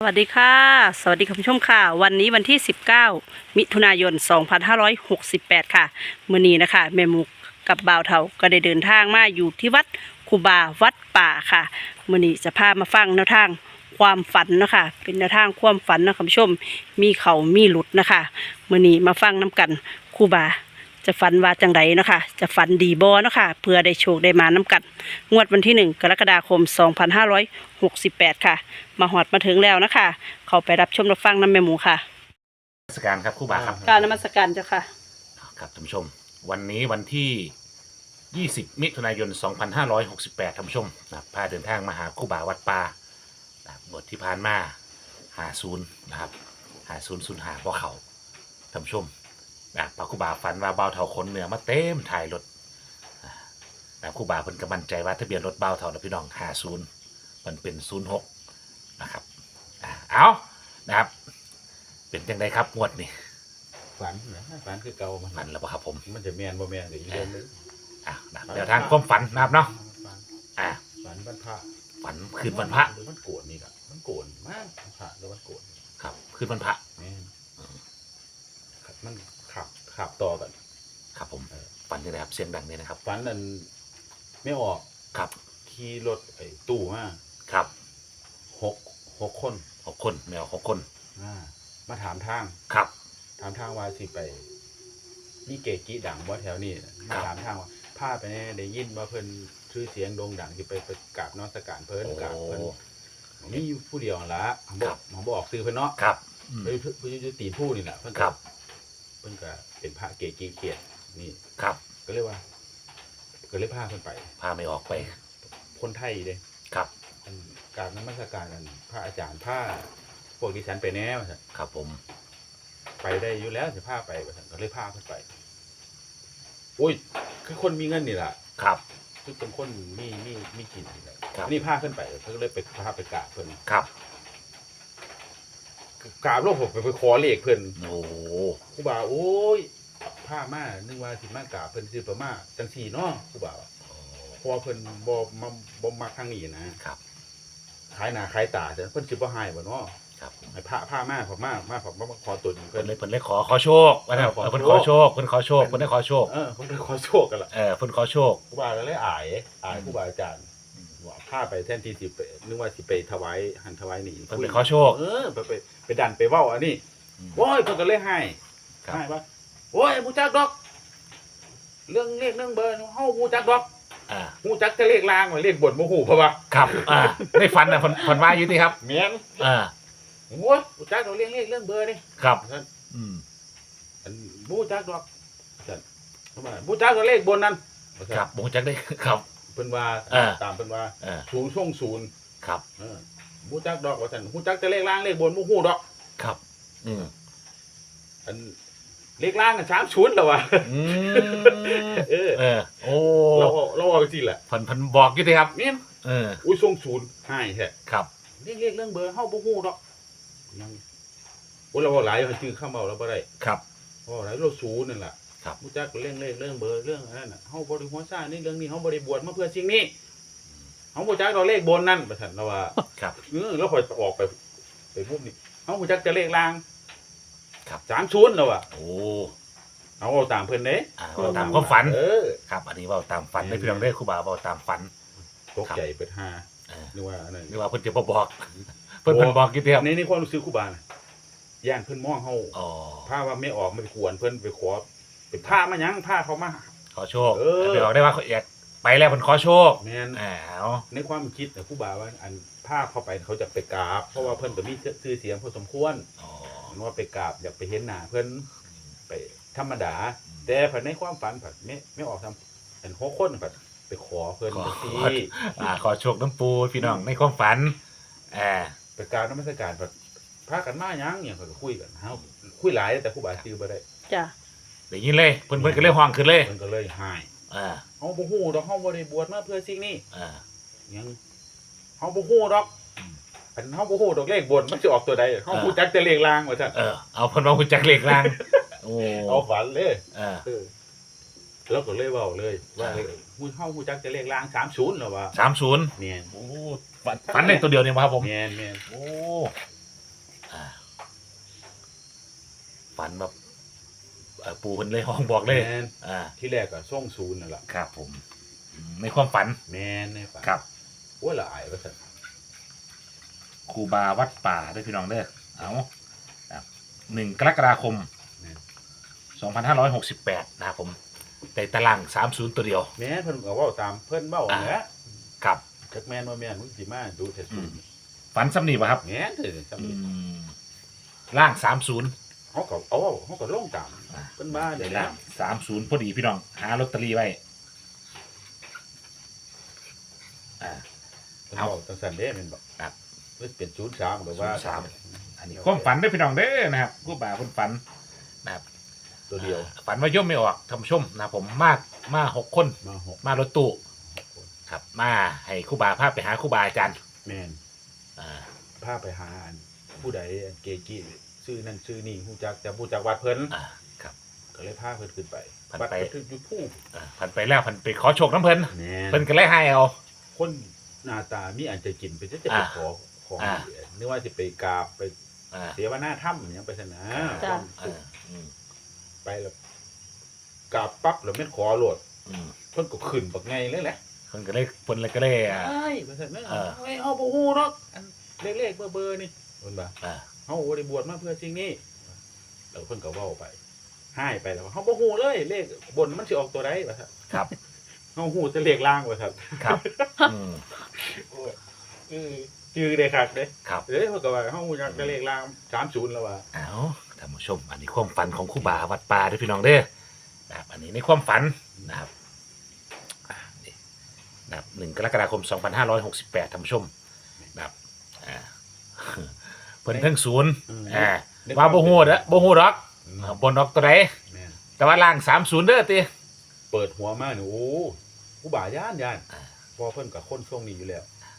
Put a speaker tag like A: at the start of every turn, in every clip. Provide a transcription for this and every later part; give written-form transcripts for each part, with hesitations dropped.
A: สวัสดีค่ะสวัสดีคุณผู้ชมค่ะวันนี้วันที่19มิถุนายน2568ค่ะมื้อนี้นะคะแม่หมูกับบ่าวเฒ่าก็ได้เดินทางมาอยู่ที่วัดคูบาวัดป่าค่ะมื้อนี้จะพามาฟังแนวทางความฝันนะคะเป็นแนวทางความฝันนะคุณผู้ชมมีเขามีหลุดนะคะมื้อนี้มาฟังน้กันคูบาจะฝันว่าจังไดเนาะค่ะจะฝันดีบ่เนาะค่ะเพื่อได้โชคได้มาน้กันงวดวันที่1กรกฎาคม2568ค่ะมาหอดมาถึงแล้วนะคะเขาไปรับชมรับฟังน้ำแม่หมูค่ะ
B: นมัสการครับครูบาครับ
A: กรารนมัสการเจ้าค่ะ
B: ครับท่านผู้ชมวันนี้วันที่ 20 มิถุนายน 2568ท่านผู้ชมนะครับพาเดินทางมาหาครูบาวัดป่านะครับบทที่ผ่านมา50นะครับ5005บ่เขาท่านผู้ชมนะพระครูบาฝันว่าเบาเท่าขนเหนือมาเต็มถ่ายรถนะครูบาเพิ่นก็มั่นใจว่าทะเบียนรถเบาเท่านะพี่น้อง50มันเป็น06นะครับเอานะครับเป็นจังไดครับงวดนี้
C: ฝันนะฝันคือเก่ามัน
B: ฝันแล้วป่ะครับผม
C: มันจะแมนบ่แมนก็อีกเรื่องนึง
B: นะครับเดี๋ยวทางความฝันนะครับเนาะอ่า
C: ฝันวันพระ
B: ฝันคืนวันพระ
C: หรือมันโกรธนี่ล่ะมันโกรธมากพระหรือมันโกรธ
B: ครับคืนวันพระ
C: แม่นมันขับต่อกัน
B: ครับผมฝันยังไงครับเสียงดังเนี่ยนะครับ
C: ฝันนั้นไม่ออก
B: ครับ
C: ขี่รถไอ้ตู้มา
B: ครับ
C: หกคน
B: 6 คนแมว6 คน
C: มาถามทาง
B: ครับ
C: ถามทางว่าสิไปนี่เกกี้ดังว่าแถวนี้มาถามทางว่าพาไปแน่ได้ยินว่าเพิ่นชื่อเสียงโด่งดังสิไปกราบนมัสการเพิ่นกราบเพิ่นมีผู้เดียวนั่นละผมบอกซื้อเพิ่นเนาะ
B: ครับ
C: เพิ่นอยู่ตีนผู้นี่แหละเพิ่น
B: ครับ
C: เพิ่นก็เป็นพระเกกี้เขียดนี่
B: ครับ
C: ก็เรียกว่าก็เลยพาเพิ่นไป
B: พาไม่ออกไป
C: คนไทยเด้
B: ครับ
C: กราบนมัสการกันพระอาจารย์พาพวกดิฉันไปแน่ว่าซั่น
B: ครับผม
C: ไปได้อยู่แล้วจะพาไปว่าซั่นก็เลยพาเพิ่นไปโอ้ยคือคนมีเงินนี่ล่ะ
B: ครับ
C: คือเป็นคนมีกินนี่แหละ
B: ครับ
C: นี่พาเพิ่นไปเพิ่นก็เลยไปพาไปกราบเพิ่น
B: ครับ
C: กราบแล้วผมไปขอเลขเพิ่น
B: โอ้
C: ครูบาโอ้ยพามานึกว่าสิมากราบเพิ่นสิประมาจังซี่เนาะครูบาเพราะว่าเพิ่นบ่มักทางนี้นะครับ ขายหน้าขายตาแต่เพิ่นสิบ่ให้บ่เนาะ
B: ครับผม
C: ให้พามาผมมาขอตน
B: เพิ่
C: เพิ่
B: น
C: น
B: เลยขอโชคว่าแล้ว
C: ขอโชค
B: เพิ่นขอโชคเพิ่นขอโชคเพิ่นได้ขอโชค
C: เพิ่นขอโชคกันล่ะ
B: เพิ่นขอโชค
C: ครูบาก็เลยอายครูบาอาจารย์ว่าพาไปแทนที่สิไปนึกว่าสิไปถวายหันถวายนี่
B: เพิ่นไปขอโชค
C: ไปดันไปเว้าอันนี้โอ้ยเพิ่นก็เลยให้
B: ครับ
C: ให้ว่าโอ้ยบ่จักดอก เรื่องเลขเรื่องเบอร์เฮาบ่จักดอก ฮู้จักแต่เลขล่างว่าเลขบนบ่ฮู้เพราะว่า
B: ครับในฝันน่ะเพิ่นว่าอยู่ที่ครับ
C: แม่น โอ้ยบ่จักดอกเรื่องเบอร์นี่
B: ครับ
C: ท่าน
B: อืม
C: อันบ่จักดอกท่านทำไมบ่จักดอกเลขบนนั้น
B: ครับบ่จักได้ครับ
C: เพิ่นว่า ตามเพิ่นว่า ศูนย์ช่วงศูนย์
B: ครับ
C: บ่จักดอกว่าท่านฮู้จักแต่เลขล่างเลขบนบ่ฮู้ดอก
B: ครับอืม
C: อันเลขล่างกัน30แล้วว่ะ
B: โอ้
C: เราเอาจังซี่แหละ
B: เพิ่นบอกอยู่ที่ครับ
C: แม่น
B: อุ้
C: ยช่วงศูนย์ให้แท้
B: ครับ
C: เลขเรื่องเบอร์เฮาบ่ฮู้ดอกยังโอ้เราเว้าหลายชื่อคำเว้าเราบ่ได้
B: ครับ
C: เพราะหลายเราศูนย์นั่นล่ะ
B: ครับ
C: รู้จักเรื่องเลขเรื่องเบอร์เรื่องอันนั้นน่ะเฮาบ่ได้หัวซ่าในเรื่องนี้เฮาบ่ได้บวชมาเพื่อสิ่งนี้เฮาบ่จักดอกเลขบนนั่นว่าซั่นเราว่า
B: ครับ
C: แล้วค่อยออกไปปุ๊บนี่เฮาบ่จักแต่เลขล่าง
B: ครับ
C: 30แล้วว่ะ
B: โอ้
C: เอาตามเพิ่นเด้
B: เราตามความฝัน
C: อ
B: ครับ อันนี้เว่าตามฝันได้พี่น้องได้ครูบาเว่าตามฝัน
C: ตกใจเปิดหา
B: เออ
C: นึกว่าอันนั้น
B: นี่ว่าเพิ่นจะบ่บอก เพิ่นบอกอยู่ที่ครับ
C: ในความรู้สึกครูบาน่ะย่านเพิ่นมองเฮา
B: อ๋อ
C: พาว่าไม่ออกมันกวนเพิ่นไปขอไปพามาหยังพาเขามา
B: ขอโชค
C: เออ
B: ไปบอกได้ว่าเขาอยากไปแล้วเพิ่นขอโชค
C: แม่น
B: อ้าว
C: ในความคิดนะครูบาว่าอันพาเข้าไปเขาจะไปกราบเพราะว่าเพิ่นก็มีชื่อเสียงพอสมควร
B: อ๋อ
C: ว่าไปกราบอยากไปเห็นหน้าเพิ่นไปธรรมดา แต่ผัดในความฝันผัดไม่ออกทำเป็น6คนผัดไปขอเพิ่นจังซี่
B: ขอโชคน้ำปูพี่น้องในความฝัน
C: ไปกราบนมัสการผัดพากันมาหยังเนี่ยเพิ่นก็คุยกันเฮาคุยหลายแต่ครูบาชื่อบ่ได้
A: จ้ะ
B: ได้ยินเลยเพิ่นก็เลยห้องขึ้นเลย
C: เพิ่นก็เลยหาย
B: อ่า
C: เฮาบ่ฮู้ดอกเฮาบ่ได้บวชมาเพื่อสิ่งนี้
B: อ่า
C: หยังเฮาบ่ฮู้ดอกอันเฮาบ่ฮู้ดอกเลขบนมันสิออกตัวใดเฮาฮู้จักแต่เลขล่างว่าซั่น
B: เอาเพิ่นว่าฮู้จักเลขล่างโอ้
C: เอาฝันเลย แล้วก็เลยเว้าเลยว่าฮู้เฮาฮู้จักแต่เลขล่าง30แล้วว่า
B: 30
C: แม่น
B: โอ้ฝันได้ตัวเดียวนี่บ่ครับผม
C: แม่น
B: โอ้ฝันแบบปูเพิ่นเลยห้องบอกเลย
C: แม่น
B: อ่า
C: ที่แรกก็ส่งศูนย์นั่นล่ะ
B: ครับผมในความฝัน
C: แม่นในฝัน
B: ครับ
C: โอ้ยละอายว่าซั่น
B: ครูบาวัดป่าเด้อพี่น้องเด้อเอาครับ1 กรกฎาคม
C: แม่น
B: 2568นะครับผมในตาราง30ตัวเดียว
C: แม่นเพิ่นก็เว้าตามเพิ่นเว้านั่นแหละ
B: ครับ
C: จักแม่นบ่แม่นมึงสิมาดูแต่ศูนย์
B: ฝันซ้ำนี่ป่ะครับ
C: แม่นเด้อจำนี้
B: ล่าง30
C: เขาก็ลงตามเพิ่นมาได้
B: ได้
C: แล้
B: ล่าว ง30พอดีพี่น้องหาลอตเตอรี่ไว้อ่า
C: เพิ่นเว้าจังซั่นเด้แม่นบ่
B: ครับ
C: มันเป็น03ก็ว่า
B: 03 อันนี้ความฝันเด้อพี่น้องเด้อนะครับครูบาเพิ่นฝันนะครับ
C: ตัวเดียว
B: ฝันว่าย่อมไม่ออกท่านผู้ชมนะครับผมมา6 คน
C: มาหก
B: มารถตู้ครับมาให้ครูบาพาไปหาครูบาอาจารย์
C: แม่น
B: อ่า
C: พาไปหาอันผู้ใดอันเกจิชื่อนั่นชื่อนี่ฮู้จักแต่ฮู้จักวัดเพิ่น
B: ครับ
C: ก็เลยพาเพิ่นขึ้นไป
B: เพิ่น
C: วัด
B: ไป
C: ก็คืออยู่ผู้
B: พันไปแล้วพันไปขอโชคน้ำเพิ่น
C: แม่
B: เพิ่นก็เลยให้เอา
C: คนหน้าตามีอันจะกินไปจะไป
B: อ่า
C: ขอของ
B: อ่า
C: นึกว่าสิไปกราบไป
B: อ่า
C: เสวนาถ้ำอหยังไปซั่นนะ
A: จ้ะ
B: เอออืม
C: ไปแล้วกราบปั๊บแล้วแม่นขอโลด
B: อืม
C: เพิ่นก็ขึ้นบักไงเลยแหละ
B: เพิ่นก็เลยอ่า
C: ไอ้ว่าซั่นนะ
B: เออ
C: เฮ้ยเฮาบ่ฮู้หรอกอันเลขๆเบอร์ๆนี่เพิ่นว่า
B: อ่า
C: เฮาบ่ได้บวชมาเพื่อสิ่งนี้แล้วเพิ่นก็เว้าไปให้ไปแล้วว่าเฮาบ่ฮู้เลยเลขบนมันสิออกตัวใดว่าซั่น
B: ครับ
C: เฮาฮู้แต่เลขล่างว่าซั่น
B: ครับอืม
C: โอ้ยชื่อได้คักเด้
B: ครับ
C: เอ้ยเพิ่นก็ว่าเฮาฮู้จักแต่เลขล่าง30แล้วว่า
B: เอาท่านผู้ชม อันนี้ความฝันของครูบาวัดป่าเด้อพี่น้องเด้อนะครับอันนี้ในความฝันนะครับนี่นะครับ1 กรกฎาคม 2568ท่านผู้ชมนะครับอ่าเพิ่นทั้งศูนย์อ่าว่าบ่ฮู้เด้อบ่ฮู้ดอกบนดอกตัวใด
C: แม่น
B: แต่ว่าล่าง30เด้อติ
C: เปิดหัวมานี่โอ้ผู้บ่าย่าน
B: อ่า
C: พอเพิ่นก็คนทรงนี้อยู่แล้ว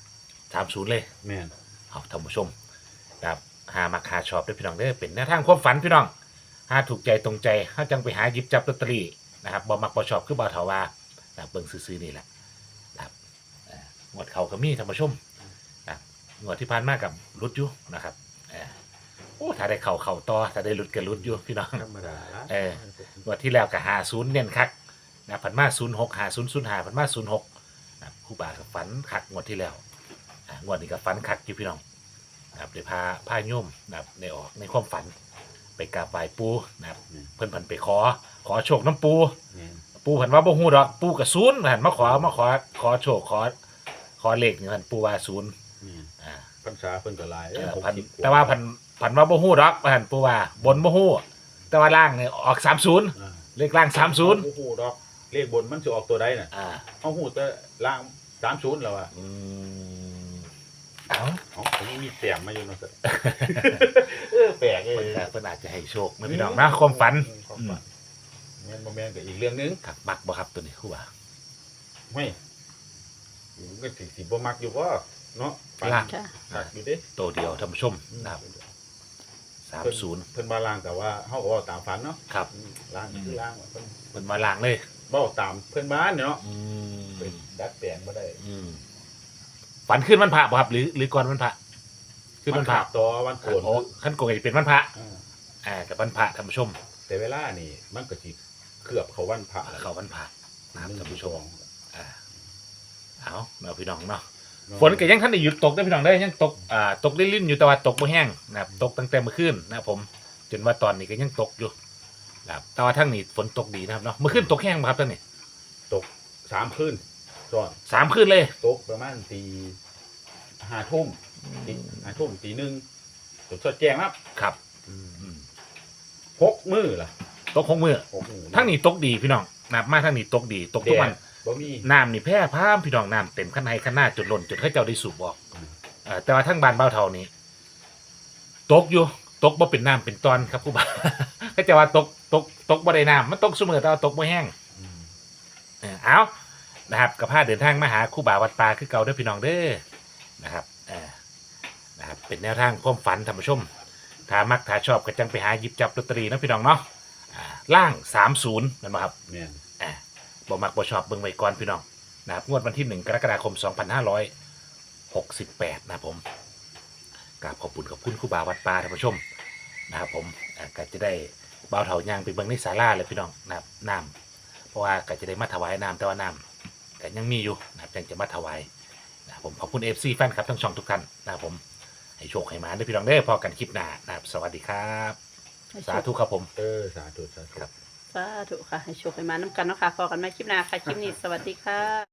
B: 30เลย
C: แม่น
B: เอาท่านผู้ชมนะครับหามาคาชอบด้วยพี่น้องเด้อเป็นแนวทางความฝันพี่น้องหาถูกใจตรงใจเฮาจังไปหาหยิบจับลอตเตอรี่นะครับบ่มักบ่ชอบคือบ่เฒ่าว่านะครับเบิ่งซื่อๆนี่แหละนะครับงวดเขาก็มีท่านผู้ชมนะครับงวดที่ผ่านมากับรุดอยู่นะครับโอ้ถ้าได้เข้าต่อถ้าได้รุดก็รุดอยู่พี่น้อง
C: ธรรมดา
B: งวดที่แล้วก็50เน้นคักนะผันมา06 5005ผันมา06นะครับครูบาก็ฝันคักงวดที่แล้วงวดนี้ก็ฝันคักอยู่พี่น้อง นะครับได้พาโยมนะครับในออกในความฝันไปกราบไหว้ปูนะครับเพิ่นไปขอโชคน้ำปู
C: แม่น
B: ปูเพิ่นว่าบ่ฮู้ดอกปูก็ศูนย์หันมาขอโชคขอเลขนี่เพิ่นปูว่าศูนย์
C: แม่น
B: อ่า
C: พรรษาเพิ่นก็หลาย
B: พัน
C: 60ก
B: แต่ว่าพันว่าบ่ฮู้ดอกหันปูว่าบนบ่ฮู้แต่ว่าล่างนี่ออก30
C: อ่า
B: เลขล่าง
C: เฮาบ่ฮู้ดอกเลขบนมันสิออกตัวใดน่ะ
B: 30อ่า
C: เฮาฮู้แต่ล่าง30แล้วอ่ะ
B: เอ้า
C: เอ้าอันนี้มีแต้มมาอยู่เนาะ สิแปลกเอ้
B: เพิ่นอาจจะให้โชคนะพี่น้องนะความฝัน
C: ความฝันแม่นบ่แม่นก็อีกเรื่องหนึง
B: ครับมักบ่ครับตัวนี้ครูบา
C: ไม่มันก็สิบ่มักอยู่บ่เนาะฝัน
B: ล่าง
A: จ้ะ
C: มักอยู่เด้
B: ตัวเดียวท่านผู้ชมนะครับ
C: เพิ่น
B: 30
C: เพิ่นมาล่างแต่ว่าเฮาก็เว้าตามฝันเนาะ
B: ครับ
C: ล่างคือล่างว่าเพิ่น
B: มันมาล้างเลย
C: เว้าตามเพิ่นบ้านเนาะ
B: อืม
C: เป็นดัดแปลงบ่ได้
B: ฝันขึ้นวันพระบ่ครับ หรือก่อนวันพระขึ้นวันพระ
C: ขาดต่อวันโกน
B: โอ้ขั้นโกงจะเป็นวันพระ
C: อ่า
B: กับวันพระท่านผู้ชม
C: แต่เวลานี่มันก็สิเคลือบเขาวันพระแล้ว
B: เข้าวันพระนะครับท่านผู้ชมอ่าเอาเราพี่น้องเนาะ
C: เาะ
B: ฝนก็ยังท่านได้หยุดตกได้อพี่น้องได้อยังตกตกลิ่นๆอยู่แต่ว่าตกบ่แห้งนะครับตกตั้งแต่เมื่อคืนนะครับผมจนว่าตอนนี้ก็ยังตกอยู่นะครับแต่ว่าทั้งนี้ฝนตกดีนะครับเนาะเมื่อคืนตกแห้งบ่ครับท่านนี่
C: ตก3คืนซ้อน
B: 3 คืนเลย
C: ตกประมาณตี5ทุ่มตี5ทุ่มตี1จนสดแจ้งครับ
B: ครับ
C: 6มื้อล่ะ
B: ตก6 มื้อ
C: 6มื้อ
B: ทั้งนี้ตกดีพี่น้องนะครับมาทั้งนี้ตกดีตกทุกวัน
C: บ่มี
B: น้ำนี่แพร่พามพี่น้องน้ำเต็มข้างในข้างหน้าจนล้นจนเขาเจ้าได้สูบออกแต่ว่าทั้งบ้านเบ้าเท่านี้ตกอยู่ตกบ่เป็นน้ำเป็นตอนครับครูบา เขาจะว่าตกบ่ได้น้ำมันตกเสมอแต่ว่าตกบ่แห้ง
C: อืม
B: เอานะครับกับพาเดินทางมาหาครูบาวัดป่าคือเก่าเด้อพี่น้องเด้อนะครับนะครับเป็นแนวทางความฝันท่านผู้ชมถ้ามักถ้าชอบก็จังไปหาหยิบจับลอตเตอรี่นะพี่น้องเนาะล่าง30นั่นบ่ครับ
C: แม่น
B: บ่มักบ่ชอบเบิ่งไว้ก่อนพี่น้องนะครับงวดวันที่1 กรกฎาคม 2568นะครับผมกราบขอบคุณครูบาวัดป่าท่านผู้ชมนะครับผมก็จะได้บ่าวเถาย่างไปเบิ่งในศาลาเลยพี่น้องนะครับน้ำเพราะว่าก็จะได้มาถวายน้ำแต่ว่าน้ำก็ยังมีอยู่นะครับยังจะมาถวายนะครับผมขอบคุณ FC แฟนครับทั้งช่องทุกท่านนะครับผมให้โชคให้มาด้วยพี่น้องเด้อพอกันคลิปหน้านะครับสวัสดีครับสาธุครับผม
C: สาธุสาธุ
B: ครับ
A: สาธุค่ะให้โชคให้มาน้ำกันเนาะค่ะพอกันใหม่คลิปหน้าค่ะคลิปนี้สวัสดีค่ะ